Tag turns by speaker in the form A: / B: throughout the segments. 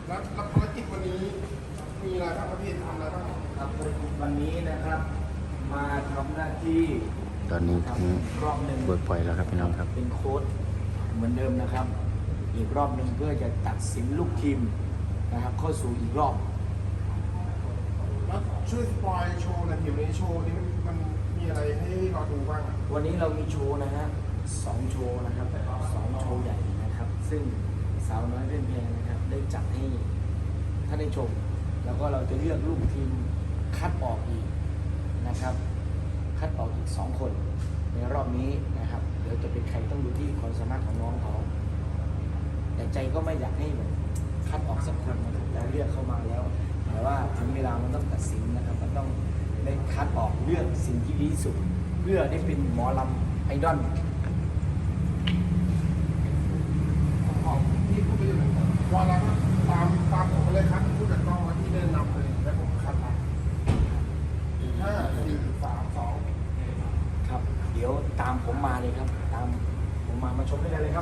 A: แล้วภารกิจวันนี้มีอะไรบ้างครับพี่ทำอะไรบ้าง
B: ครับวันนี้นะครับมาทำหน้าที่
C: ตอนนี้ถึง
B: รอบหนึ่ง
C: เบิร์กพอยต์แล้วครับพี่น้องครับ
B: เป็นโค้ชเหมือนเดิมนะครับ อีกรอบหนึ่งเพื่อจะตัดสินลูกทีมนะครับเข้าสู่อีกรอบ
A: แล้วช่วยสปอยโชว์หน่อยเดี๋ยวในโชว์นี้มันมีอะไรให้เราดูบ้างอ่ะ
B: วันนี้เรามีโชว์นะฮะ2 โชว์นะครับ2 โชว์ใหญ่นะครับ ซึ่งสาวน้อยเล่นแพงนะครับได้จัดให้ท่านได้ชม แล้วก็เราจะเลือกลูกทีมคัดออกอีกนะครับ คัดออกอีก2 คนในรอบนี้นะครับเดี๋ยวจะเป็นใครต้องดูที่ความสามารถของน้องเขาแต่ใจก็ไม่อยากให้แบบคัดออกสักคนนะครับเราเลือกเข้ามาแล้วแต่ว่าถึงเวลามันต้องตัดสินนะครับมันต้องได้คัดออกเลือกสิ่งที่ดีที่สุดเพื่อได้เป็นหมอลำไอดอล
A: ของพี่พูดไปอย่างไรว่าแล้วก็ตามผมเลยครับพูดกับกล้องที่เดินนำเลยแล้วผมคัดมา5 4 3 2
B: ครับเดี๋ยวตามผมมาเลยครับตามผมมาชมได้เลยครับ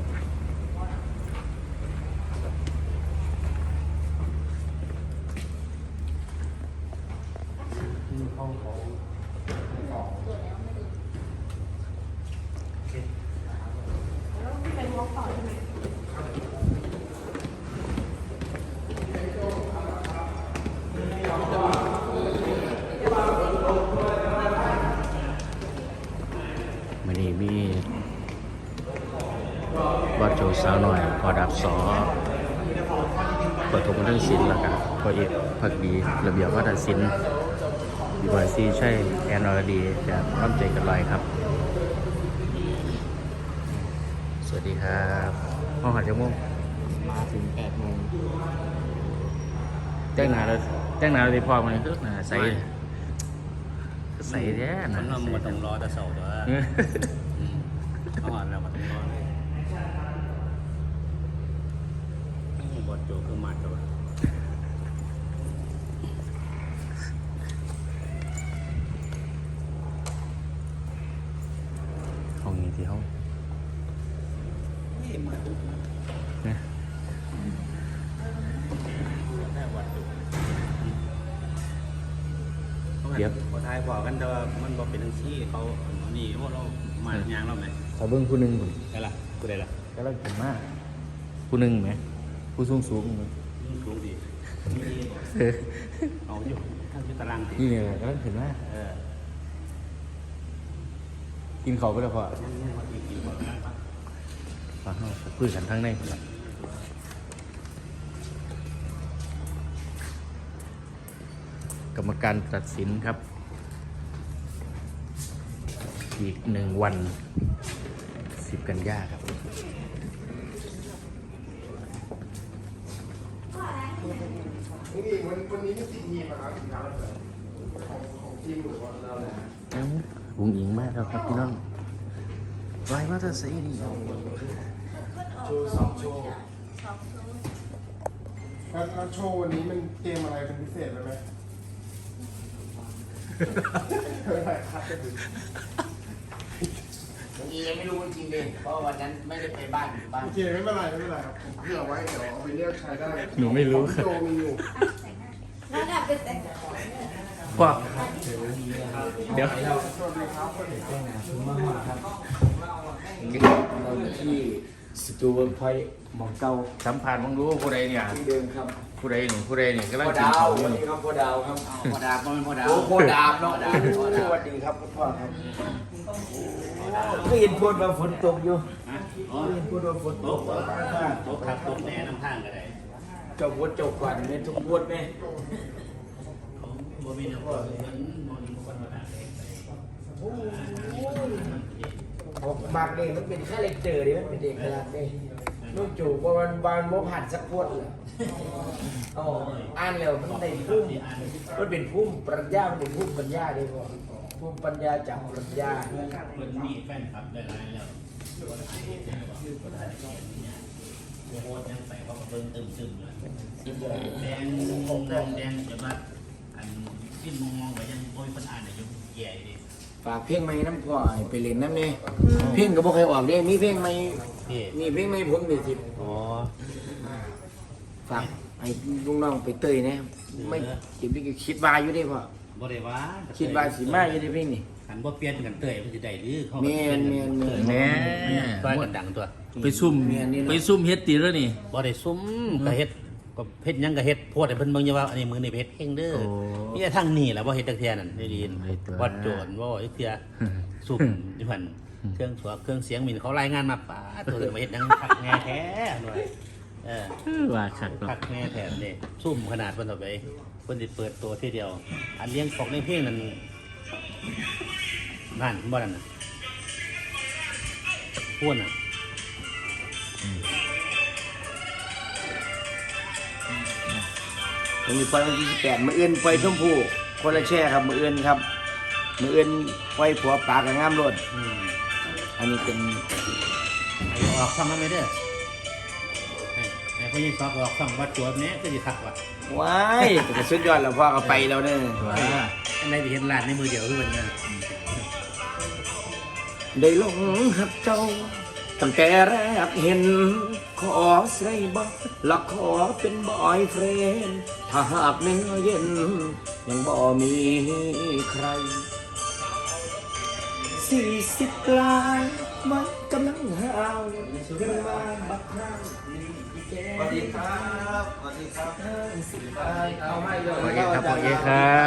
B: ห้องของ
D: เป็นวอล์กต่อใช่ไหม
C: วันนี้มีวัดโจสาวหน่อยพอดับสอเปิดทงเรื่องศิลป์แล้วกันพอเอกพักดีระเบียบวัฒนศิลป์ดีวายซีใช่แอนอรดีจากร่ำใจกันลอยครับ สวัสดีครับห้องหัดจมูก
B: มาถึง8 โมง
C: แจ้งหนาเราได้พอมันคือหนาใสใสแท้ห
E: มั
C: นาน
E: หมดต้องรอแต่เสาร์ตัวเอาหมดแล้วมันต้องรอเลยบอดโจคือมาตัว
C: ห้องนี้ที่ห้อง
E: นี่มาตัว
C: นะ
E: แค่วัดตัวพอทายบอกกันแต่ว่ามันบอกเป็นทั้งที่เขานี่ว่าเรามาอย่างเราไหม
C: ขอเบิ้งผู้หนึ่งก่อน
E: ได้ละกูได้ละ
C: ก็เลิกถึงมากผู้หนึ่งไหมผู้สูงสูง
E: รู้ดีเอาอยู่ข้างที่ตาราง
C: นี่เนี่ยก็เลิกถึงมากกินเขาไปแล้วพอฟังเขาคุยกันทั้งในคนละกรรมการตัดสินครับ อีก1 วัน10 กันยาครับ
A: วันนี้มีกี่ทีมนะครับของทีมหรือว่าเราแหละ
C: วุ้งอิงมากแล้วครับพี่น้องไว้ว่าจะใส่ดี
A: โชว์2 โชว์แล้วโชว์วันนี้มันเกมอะไรเป็นพิเศษไหมอะไรครับก็คือ
B: ยังไม่รู้จริงๆเลยเพราะวันนั้นไม่ได้ไปบ้านบ้าน
A: โอเคไม่เป็นไรครับผมเผื่อไว้เดี๋ยวเอาไปเลือกใช้ได้
C: หนูไม่รู้
A: โจมีอยู่
D: แล้วน่ะเป็นแต่
C: พ่อเดี๋ยว
A: สวัสดีครับคนเอก
B: ครับเราอยู่ที่สตูเวิร์กพอยต์หมองเก่า
C: สัมผัสมึงรู้ว่าผู้ใดเนี่ย
B: ที่เดิมครับ
C: ผู้ใดเนี่ยกำลัง
B: พ่อ
C: กิน
B: ดาว
C: เขาอ
B: ส
C: ยู่
B: วัสดี
C: นี่
B: ครับพ่อดาวครับ
E: พอดาบมันพอดาบ
B: โอ้พ่อดาวเนาะสวัสดีครับพ่อครับก็เห็นพูดว่าฝนตกอยู่
E: อ๋อ
B: ก็เห็นพูดว่าฝนต
E: โต๊ะ
B: ก
E: โต๊ะครับโต๊ะแหน่น้ำทางก็ได้
B: เจ้าพูดเจ้าก่อนเนี่ยทุกพูดไหม
E: บ่มีน้ำพ่อมันบ่มีคนมาด่าเลย
B: บางเด็กมันเป็นแค่เลคเจอร์ดิมันเป็นเด็กขนาดนี้ลูกจู่เพราะวันโมผ่านสักพวดเลยอ๋ออ่านแล้วมันในพุ่มมันเป็นพุ่มปรัชญามันเป็นพุ่มปัญญาดีกว่าพุ่มปัญญาจากปรัชญา
E: มันมีแฟนคลับหลายๆแล้วโคตรยังใส่เขาเบิ่งตึมๆเลยแดงแดงจะมาอันที่มองไปยังโอ้ยคนอ่านอยู่แย่ดิ
B: ฝากเพลงใหม่น้ำพ่อให้ไปเล่นน้ำเนี่ยเพลงก็บ่เคยออกเด้มีเพลงใหม่
E: พี่
B: มีเพลงใหม่ผมมีสิ
E: อ๋อ
B: ฝฝากให้ลุงน้องไปเตยนะไม่จิบนี่ก็คิดว่าอยู่ได้พ่อ
E: บ่ได้ว่า
B: คิดว่าสิมาอยู่ได้เพ่งนี่
E: หันบ่เปลี่ยนกันเตยมันสิได้หรือเขา
B: แม่น
C: แน่
E: ต้อยกันดังตัว
C: ไปซุ่มไปซุ่มเฮ็ดตีแล้วนี่
E: บ่ได้ซุ่มก็เฮ็ดก็เฮ็ดหยังก็เฮ็ดโพดให้เพิ่นเบิ่งอยู่ว่าอันนี้มือนี่เฮ็ดเฮงเด้อ
C: โอ้
E: มีแต่ทางนี้แหละบ่เฮ็ดจักเที่ยนั่นได้ยิน
C: เฮ็ดตัว
E: วัดโจรบ่จักเที่ยซุ่มอยู่หั่นเครื่องสัวเครื่องเสียงมินเขารายงานมาป้าตัวมาเฮ็ดหยังคักแง่แท้หน่อย
C: ว่าคักเนาะ
E: คักแง่แท้นี่ซุ่มขนาดเพิ่นต่อไปเพิ่นสิเปิดตัวทีเดียว อันเลี้ยงปอกในเพลงนั่นนั่นบ่นั่นน่ะพูดน่ะ
B: ผมมีปล่อยวันที่18มื้ออื่นปล่อยชมพู่คนละแช่ครับมื้ออื่นครับมื้ออื่นปล่อยผัวปลากับงามรถ อันนี้เป็น
E: ไอ้ออกช่องนั้นไหมเด้อไอ้พวกนี้สอบออกช่องวัดโจรแม่ก็สิคักว่ะ
B: ว้ายแต่สุดยอดแล้วพ่อก็ไปแล้วเนี่ย
E: อันไหนไปเห็นร้านในมือเดียวคือมันเนี่ย
B: ได้หลงหักเจ้าตั้งแต่แรกเห็น ขอใส่บ่และขอเป็นบอยเฟรนด์ถ้าหากเนื้อเย็น ยังบ่มีใคร40 ปลายมันกำลังหาวขึ้นมาบักครั้ง
A: สวัสดีครับสวัสดีครับเอาให้เลย
C: โอเคครับโอเคครับ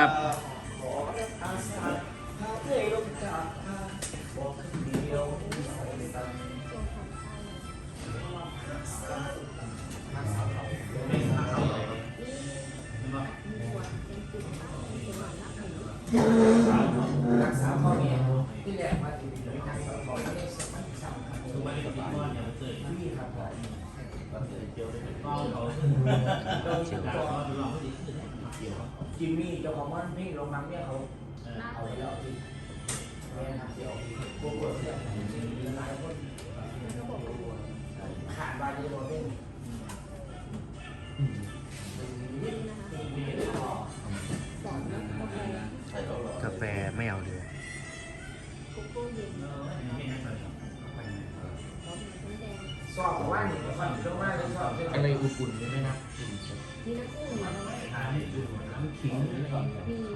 B: รักษาพ่อแม่ที่แรกมาถึงรักษาพ่อแม่สมัยสามครับพี่ครับจิมมี่เจ้าของบ้านพี่โรงงานเนี่ยเขาเอาไปแล้วที่แม่ครับเดี๋ยวพวกเสียหลายคนขาดบาดีโรเล่น
C: กาแฟไม่เอาเลย
B: สอบว่าหนึ่งสอบเยอะมากเลยสอบอะไรอุ่นๆใช่ไหมนะ
D: มีน้ำอุ่นน้ำขิงมีน้ำขิง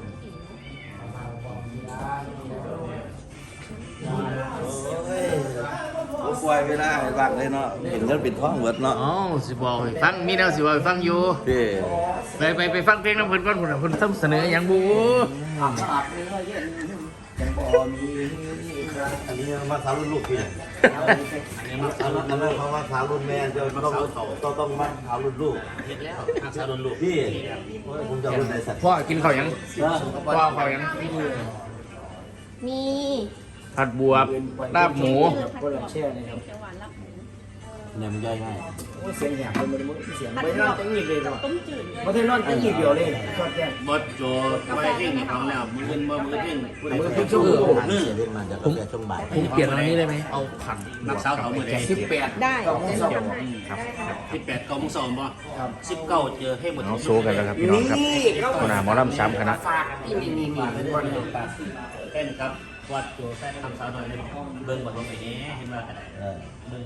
F: ผมปล่อยไม่ได้บ้างเลยเนาะเห็นเงินปิดท้องเวิร์ดเนาะ
C: อ๋อสิบอกให้ฟังมีแนวสิบอกให้ฟังอยู่
F: พี่
C: ไปฟังเพลงน้ำเพิ่นก่อนพุ่นน่ะเพิ่นต้องเสนอหยังบู
B: อาบเนื้อเย็นยังบ่มีใคร
F: อันนี้มาสาวรุ่นลูกพี่เนี่ย
B: เอาไป
E: อันนี้มาสาว
F: อันนั้นเพราะว่าสาวรุ่นแม่จะต้องมาสาวรุ่นลูก
E: เฮ็ดแล้วหักสาวโดนลูก
F: พี่ผมจะรุ่นไหนสัตว์
C: พ่อกินข้าวหยังพ่อข้าวหยัง
D: มี
C: ผัดบวบลาบหมู
B: คนละแช่เลยครับ
D: เขียวหวานรับหมู
F: เนี่ยมันย่อยง่าย
B: เสียงแหบเลยมันเสียงไม่นอนจะงีบเลยเนาะ
D: ต้มจืด
B: ไม่ได้นอนจะงีบเดียวเลยชอบแก่
E: บดโจไว้เพลงนี่ของแล้วมือเงินบ่มือเพลง
B: มือเพิ่งชั่วโมง
F: เสียเล่นมาจากกาแฟช่วงบ่าย
C: ผมเปลี่ยนอันนี้ได้ไหมเอาผัด
E: นักสาวเขามือใด
B: 18
D: ได้
B: ต่อมือสอง
E: 18 9 โมง2บ่
B: ครับ
E: 19เจอให้หมด
C: เอาโซกันแล้วครับพี่น้องครับคุณอาหมอลำ3คณะ
B: ฝากนี่เป็นวัน
E: แค่นครับวัดโจใส่ทำสาวน้อยเบิ่งบ่ลงไปแหน่เห็นว่าอะไร
F: เออ